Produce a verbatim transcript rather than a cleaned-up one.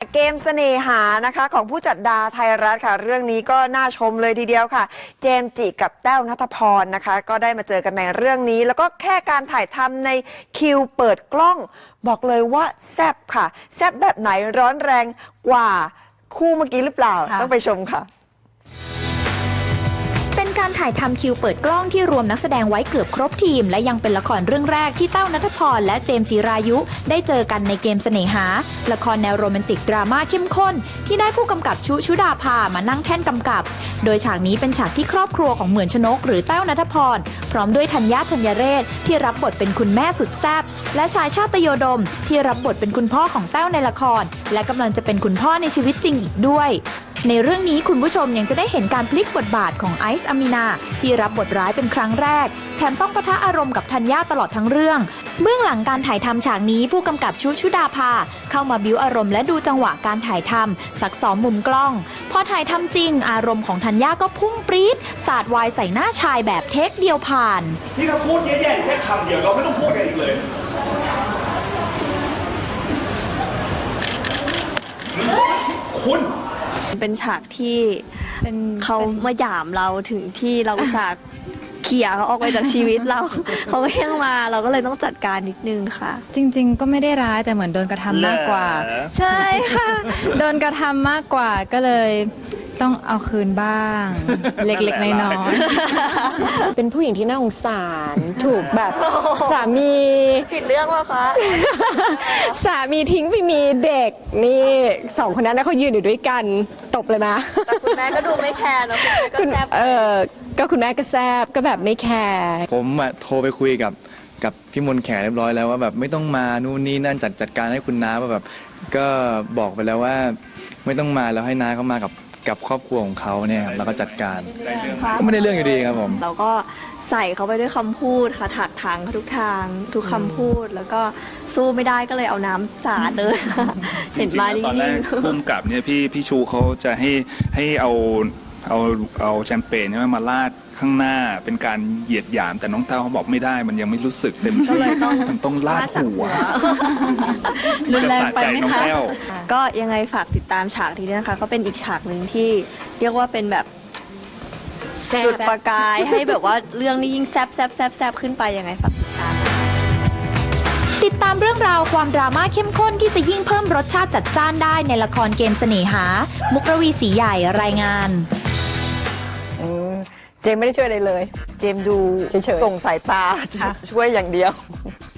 เกมเสน่หานะคะของผู้จัดดาไทยรัฐค่ะเรื่องนี้ก็น่าชมเลยทีเดียวค่ะเจมส์จิกับแต้วณัฐพรนะคะก็ได้มาเจอกันในเรื่องนี้แล้วก็แค่การถ่ายทำในคิวเปิดกล้องบอกเลยว่าแซ่บค่ะแซ่บแบบไหนร้อนแรงกว่าคู่เมื่อกี้หรือเปล่าต้องไปชมค่ะเป็นการถ่ายทำคิวเปิดกล้องที่รวมนักแสดงไว้เกือบครบทีมและยังเป็นละครเรื่องแรกที่แต้วณัฐพรและเจมส์จิรายุได้เจอกันในเกมเสน่หาละครแนวโรแมนติกดราม่าเข้มข้นที่ได้ผู้กำกับชุชุดาภามานั่งแท่นกำกับโดยฉากนี้เป็นฉากที่ครอบครัวของเหมือนชนกหรือแต้วณัฐพรพร้อมด้วยธัญญาธัญเรศที่รับบทเป็นคุณแม่สุดแซ่บและชายชาติโยดมที่รับบทเป็นคุณพ่อของแต้วในละครและกำลังจะเป็นคุณพ่อในชีวิตจริงอีกด้วยในเรื่องนี้คุณผู้ชมยังจะได้เห็นการพลิกบทบาทของไอซ์อามีนาที่รับบทร้ายเป็นครั้งแรกแถมต้องปะทะอารมณ์กับธัญญาตลอดทั้งเรื่องเบื้องหลังการถ่ายทำฉากนี้ผู้กำกับชุชุดาภาเข้ามาบิ้วอารมณ์และดูจังหวะการถ่ายทำซักซ้อมมุมกล้องพอถ่ายทำจริงอารมณ์ของธัญญาก็พุ่งปรี๊ดสาดวายใส่หน้าชายแบบเทคเดียวผ่านนี่ถ้าพูดแย่ๆแค่คำเดียวเราไม่ต้องพูดกันอีกเลยคุณเป็นฉากที่เขามาหยามเราถึงที่เราอุตส่าห์เขี่ยเขาออกไปจากชีวิตเรา เขาก็ยังมาเราก็เลยต้องจัดการนิดนึงค่ะจริงๆก็ไม่ได้ร้ายแต่เหมือนโดนกระทำมากกว่าใช่ค่ะโดนกระทำมากกว่าก็เลยต้องเอาคืนบ้างเล็กๆน้อยๆเป็นผู้หญิงที่น่าสงสารถูกแบบสามีผิดเรื่องว่ะคะสามีทิ้งไปมีเด็กนี่สองคนนั้นเขายืนอยู่ด้วยกันตบเลยนะแต่คุณแม่ก็ดูไม่แคร์นะคุณแม่ก็แซบเออก็คุณแม่ก็แซบก็แบบไม่แคร์ผมอะโทรไปคุยกับกับพี่มนต์แขเรียบร้อยแล้วว่าแบบไม่ต้องมานู่นนี่นั่นจัดจัดการให้คุณน้าว่าแบบก็บอกไปแล้วว่าไม่ต้องมาแล้วให้น้าเขามากับกับครอบครัวของเขาเนี่ยแล้วก็จัดการก็ไม่ได้เรื่องอยู่ดีครับผมเราก็ใส่เขาไปด้วยคำพูดค่ะถักทางเขาทุกทางทุกคำพูดแล้วก็สู้ไม่ได้ก็เลยเอาน้ำสาดเลยเห็นมาตอนแรกพุ่มกับเนี่ยพี่พี่ชูเขาจะให้ให้เอาเอาเอาแชมเปญเนี่ยมาลาดข้างหน้าเป็นการเหยียดหยามแต่น้องเต้าเขาบอกไม่ได้มันยังไม่รู้สึกเต็มที่มันต้องลาดหัวรุนแรงไปไหมคะก็ยังไงฝากติดตามฉากนี้นะคะก็เป็นอีกฉากหนึ่งที่เรียกว่าเป็นแบบจุดประกายให้แบบว่าเรื่องนี้ยิ่งแซบแซบแซบแซบขึ้นไปยังไงฝากติดตามติดตามเรื่องราวความดราม่าเข้มข้นที่จะยิ่งเพิ่มรสชาติจัดจ้านได้ในละครเกมเสน่หามุกรวีศรีใหญ่รายงานเจมไม่ได้ช่วยอะไรเลยเจมดูเฉยๆส่งสายตาช่วยอย่างเดียว